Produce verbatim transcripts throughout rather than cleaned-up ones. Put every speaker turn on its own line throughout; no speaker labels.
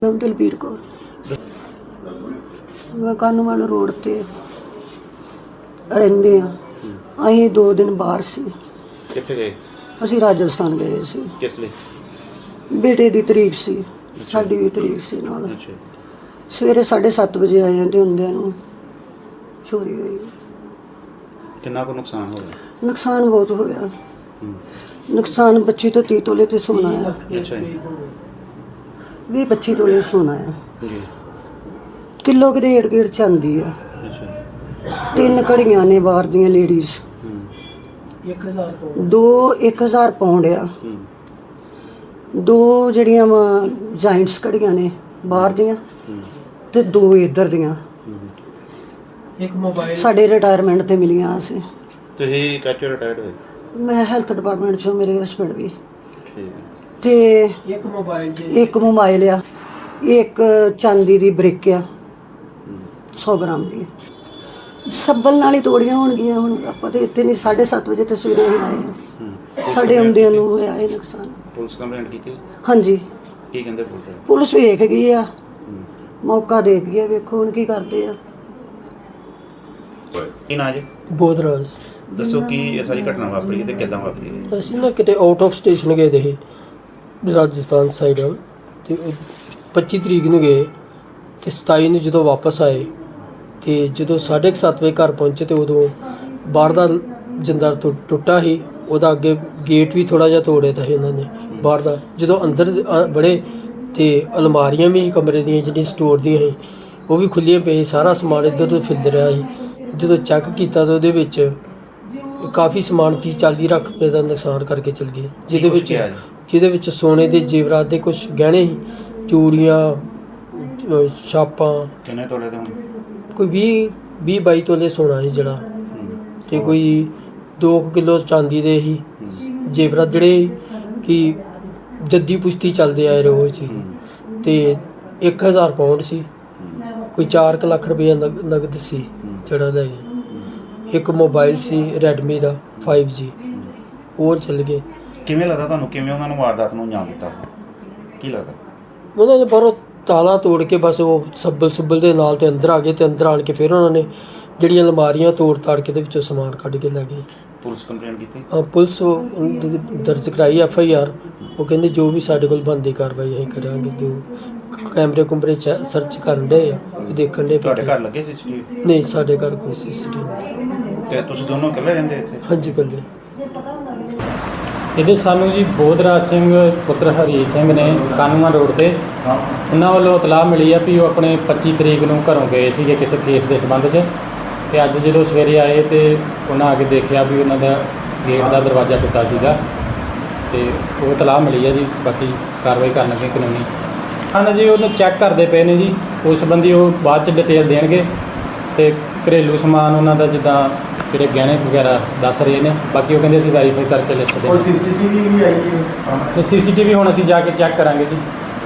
ਦਲਬੀਰ ਕੌਰ। ਮੈਂ ਕਾਨੂੰਨ ਰੋਡ ਤੇ ਰਹਿੰਦੇ ਆ। ਅਸੀਂ ਦੋ ਦਿਨ ਬਾਹਰ ਸੀ।
ਕਿੱਥੇ ਗਏ?
ਅਸੀਂ ਰਾਜਸਥਾਨ ਗਏ ਸੀ।
ਕਿਸ ਲਈ?
ਬੇਟੇ ਦੀ ਤਰੀਕ ਸੀ, ਸਾਡੀ ਵੀ ਤਰੀਕ ਸੀ ਨਾਲ।
ਅੱਛਾ।
ਸਵੇਰੇ ਸਾਢੇ ਸੱਤ ਵਜੇ ਆਏ ਤੇ ਹੁੰਦਿਆਂ ਨੂੰ ਚੋਰੀ ਹੋਈ।
ਕਿੰਨਾ ਕੁ ਨੁਕਸਾਨ ਹੋਇਆ?
ਨੁਕਸਾਨ ਬਹੁਤ ਹੋਇਆ।
ਹੂੰ।
ਨੁਕਸਾਨ ਪੱਚੀ ਤੋਂ ਤੀਹ ਤੋਲੇ ਤੇ ਸੋਨਾ ਆ।
ਅੱਛਾ ਜੀ।
ਵੀਹ ਪੱਚੀ ਤੋਲੇ ਸੋਨਾ ਆ।
ਜੀ।
ਕਿਲੋ ਕਿਤੇ ਏੜ ਗੇੜ ਚਾਂਦੀ ਆ।
ਅੱਛਾ।
ਤਿੰਨ ਘੜੀਆਂ ਨੇ ਬਾਹਰ ਦੀਆਂ ਲੇਡੀਜ਼।
ਹੂੰ।
ਇੱਕ ਹਜ਼ਾਰ ਪਾਉਂਡ।
ਦੋ ਇੱਕ ਹਜ਼ਾਰ ਪਾਉਂਡ ਆ।
ਹੂੰ।
ਦੋ ਜਿਹੜੀਆਂ ਵਾ ਜਾਇੰਟਸ ਘੜੀਆਂ ਨੇ ਬਾਹਰ ਦੀਆਂ
ਹੂੰ।
ਤੇ ਦੋ ਇੱਧਰ ਦੀਆਂ।
ਹੂੰ।
ਇੱਕ ਮੋਬਾਈਲ
ਸਾਡੇ ਰਿਟਾਇਰਮੈਂਟ ਤੇ ਮਿਲੀਆਂ ਸੀ।
ਤੁਸੀਂ ਕਾਚੋ ਰਿਟਾਇਰਡ ਹੋਏ?
ਮੈਂ ਹੈਲਥ ਡਿਪਾਰਟਮੈਂਟ ਚੋਂ, ਮੇਰੇ ਹਸਬੈਂਡ ਵੀ।
ਠੀਕ ਹੈ।
ਤੇ
ਇੱਕ ਮੋਬਾਈਲ ਜੀ
ਇੱਕ ਮੋਬਾਈਲ ਆ, ਇੱਕ ਚਾਂਦੀ ਦੀ ਬ੍ਰਿਕ ਆ
ਹੂੰ।
ਸੌ ਗ੍ਰਾਮ ਦੀ। ਸੱਬਲ ਨਾਲ ਹੀ ਤੋੜੀਆਂ ਹੋਣਗੀਆਂ। ਹੁਣ ਆਪਾਂ ਤੇ ਇੱਥੇ ਨਹੀਂ, ਸਾਢੇ ਸੱਤ ਵਜੇ ਤੇ ਸਵੇਰੇ ਹੀ ਆਏ ਆ।
ਹੂੰ।
ਸਾਡੇ ਆਉਂਦਿਆਂ ਨੂੰ ਹੋਇਆ ਇਹ ਨੁਕਸਾਨ।
ਪੁਲਿਸ ਕੰਪਲੇਂਟ ਕੀਤੀ?
ਹਾਂਜੀ,
ਕੀ ਕਹਿੰਦੇ ਪੁਲਿਸ ਵਾਲੇ?
ਪੁਲਿਸ ਵੇਖ ਗਈ ਆ,
ਹੂੰ।
ਮੌਕਾ ਦੇਖ ਗਈ ਆ। ਵੇਖੋ ਹੁਣ ਕੀ ਕਰਦੇ ਆ।
ਕੀ ਨਾਂ ਜੀ?
ਬੋਧਰਾਜ।
ਦੱਸੋ ਕੀ ਇਹ ਸਾਰੀ ਘਟਨਾ ਵਾਪਰੀ ਤੇ ਕਿੱਦਾਂ ਵਾਪਰੀ?
ਅਸੀਂ ਨਾ ਕਿਤੇ ਆਊਟ ਆਫ ਸਟੇਸ਼ਨ ਗਏ ਦੇ ਸੀ ਰਾਜਸਥਾਨ ਸਾਈਡ ਵੱਲ, ਤੇ ਉਹ ਪੱਚੀ ਤਰੀਕ ਨੂੰ ਗਏ ਤੇ ਸਤਾਈ ਨੂੰ ਜਦੋਂ ਵਾਪਸ ਆਏ ਤੇ ਜਦੋਂ ਸਾਢੇ ਕੁ ਸੱਤ ਵਜੇ ਘਰ ਪਹੁੰਚੇ ਤੇ ਉਦੋਂ ਬਾਹਰ ਦਾ ਜਿੰਦਾ ਟੁ- ਟੁੱਟਾ ਸੀ। ਉਹਦਾ ਅੱਗੇ ਗੇਟ ਵੀ ਥੋੜਾ ਜਿਹਾ ਤੋੜਿਆ ਤਾਂ ਸੀ ਉਹਨਾਂ ਨੇ ਬਾਹਰ ਦਾ। ਜਦੋਂ ਅੰਦਰ ਅ- ਬੜੇ ਤੇ ਅਲਮਾਰੀਆਂ ਵੀ ਕਮਰੇ ਦੀਆਂ ਜਿਹੜੀਆਂ ਸਟੋਰ ਦੀਆਂ ਸੀ ਉਹ ਵੀ ਖੁੱਲੀਆਂ ਪਈਆਂ। ਸਾਰਾ ਸਮਾਨ ਇੱਧਰ ਉੱਧਰ ਫਿਰਦ ਰਿਹਾ ਸੀ। ਜਦੋਂ ਚੈੱਕ ਕੀਤਾ ਤਾਂ ਉਹਦੇ ਵਿੱਚ ਕਾਫੀ ਸਮਾਨ ਤੀਹ ਚਾਲੀ ਲੱਖ ਰੁਪਏ ਦਾ ਨੁਕਸਾਨ ਕਰਕੇ ਚਲ ਗਏ, ਜਿਹਦੇ
ਕੁਛ
ਵਿੱਚ
ਗਿਆ ਜੀ?
ਜਿਹਦੇ ਵਿੱਚ ਸੋਨੇ ਦੇ ਜੇਵਰਾਤ ਦੇ ਕੁਝ ਗਹਿਣੇ ਸੀ, ਚੂੜੀਆਂ, ਅ, ਛਾਪਾਂ,
ਕਿੰਨੇ ਤੋਲੇ ਦੇ ਹੋਣ?
ਕੋਈ ਵੀਹ ਵੀਹ ਬਾਈ ਤੋਲੇ ਸੋਨਾ ਸੀ ਜਿਹੜਾ,
ਹੂੰ।
ਤੇ ਕੋਈ ਦੋ ਕਿਲੋ ਚਾਂਦੀ ਦੇ ਸੀ
ਹੂੰ।
ਜੇਵਰਾਤ ਜਿਹੜੇ ਕਿ ਜੱਦੀ ਪੁਸ਼ਤੀ ਚੱਲਦੇ ਆਏ ਰੋਜ਼ ਸੀ,
ਹੂੰ।
ਤੇ ਇੱਕ ਹਜ਼ਾਰ ਪਾਉਂਡ ਸੀ।
ਹੂੰ।
ਕੋਈ ਚਾਰ ਕੁ ਲੱਖ ਰੁਪਏ ਨਗ- ਨਗਦ ਸੀ ਜਿਹੜਾ ਲੈ ਗਏ। ਇੱਕ ਮੋਬਾਈਲ ਸੀ ਰੈਡਮੀ ਦਾ ਫਾਈਵ ਜੀ, ਉਹ ਚੱਲ ਗਏ।
ਕਿਵੇਂ ਲੱਗਦਾ ਤੁਹਾਨੂੰ, ਕਿਵੇਂ ਉਹਨਾਂ ਨੂੰ ਵਾਰਦਾਤ ਨੂੰ ਅੰਜਾਮ ਦਿੱਤਾ? ਕੀ ਲੱਗਦਾ?
ਉਹਨਾਂ ਨੇ ਬਾਹਰੋਂ ਤਾਲਾ ਤੋੜ ਕੇ ਬਸ ਉਹ ਸੱਬਲ ਸੁੱਬਲ ਦੇ ਨਾਲ ਤੇ ਅੰਦਰ ਆ ਗਏ, ਤੇ ਅੰਦਰ ਆਣ ਕੇ ਫਿਰ ਉਹਨਾਂ ਨੇ ਜਿਹੜੀਆਂ ਅਲਮਾਰੀਆਂ ਤੋੜ ਤਾੜ ਕੇ ਤੇ ਵਿੱਚੋਂ ਸਮਾਨ ਕੱਢ ਕੇ ਲੈ ਗਏ।
ਪੁਲਿਸ ਕੰਪਲੇਂਟ ਕੀਤੀ?
ਅ, ਪੁਲਿਸ ਉਹ ਦਰਜ ਕਰਾਈ ਐਫ ਆਈ ਆਰ। ਉਹ ਕਹਿੰਦੇ ਜੋ ਵੀ ਸਾਡੇ ਕੋਲ ਬਣਦੀ ਕਾਰਵਾਈ ਅਸੀਂ ਕਰਾਂਗੇ। ਜੋ ਕੈਮਰੇ ਕੁਮਰੇ ਚ ਸਰਚ ਕਰਨ ਦੇ ਆ, ਉਹ ਦੇਖਣ ਦੇ।
ਤੁਹਾਡੇ ਘਰ ਲੱਗੇ ਸੀ ਸੀਸੀਟੀਵੀ?
ਨਹੀਂ, ਸਾਡੇ ਘਰ ਕੋਈ ਸੀ ਸੀ ਟੀ ਵੀ।
ਤੇ ਤੁਸੀਂ ਦੋਨੋਂ ਇਕੱਲੇ ਰਹਿੰਦੇ ਇੱਥੇ?
ਹਾਂਜੀ, ਕੱਲੇ।
ਇਹਦੇ ਸਾਨੂੰ ਜੀ ਬੋਧਰਾਜ ਸਿੰਘ ਪੁੱਤਰ ਹਰੀ ਸਿੰਘ ਨੇ ਕਾਨੂੰਨ ਰੋਡ ਤੇ, ਉਹਨਾਂ ਵੱਲੋਂ ਇਤਲਾਹ ਮਿਲੀ ਆ ਵੀ ਉਹ ਆਪਣੇ ਪੱਚੀ ਤਰੀਕ ਨੂੰ ਘਰੋਂ ਗਏ ਸੀਗੇ ਕਿਸੇ ਕੇਸ ਦੇ ਸੰਬੰਧ 'ਚ, ਤੇ ਅੱਜ ਜਦੋਂ ਸਵੇਰੇ ਆਏ ਤੇ ਉਹਨਾਂ ਆ ਕੇ ਦੇਖਿਆ ਵੀ ਉਹਨਾਂ ਦਾ ਗੇਟ ਦਾ ਦਰਵਾਜ਼ਾ ਟੁੱਟਾ ਸੀਗਾ, ਤੇ ਉਹ ਇਤਲਾਹ ਮਿਲੀ ਆ ਜੀ। ਬਾਕੀ ਕਾਰਵਾਈ ਕਰਨ ਲੱਗੇ ਕਾਨੂੰਨੀ। ਹਾਂ ਜੀ, ਉਹਨੂੰ ਚੈੱਕ ਕਰਦੇ ਪਏ ਨੇ ਜੀ, ਉਸ ਸੰਬੰਧੀ ਉਹ ਬਾਅਦ 'ਚ ਡਿਟੇਲ ਦੇਣਗੇ। ਤੇ ਘਰੇਲੂ ਸਮਾਨ ਉਹਨਾਂ ਦਾ ਜਿੱਦਾਂ ਜਿਹੜੇ ਗਹਿਣੇ ਵਗੈਰਾ ਦੱਸ ਰਹੇ ਨੇ, ਬਾਕੀ ਉਹ ਕਹਿੰਦੇ ਅਸੀਂ ਵੈਰੀਫਾਈ ਕਰਕੇ ਲਿਸਟ ਦੇ।
सीसीटीवी भी आई है?
ਤੇ ਸੀਸੀਟੀਵੀ ਹੁਣ ਅਸੀਂ ਜਾ ਕੇ ਚੈੱਕ ਕਰਾਂਗੇ ਜੀ।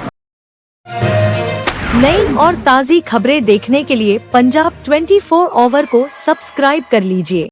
नई और ताज़ी खबरें देखने के लिए पंजाब ट्वेंटी फोर आवर को सब्सक्राइब कर लीजिए।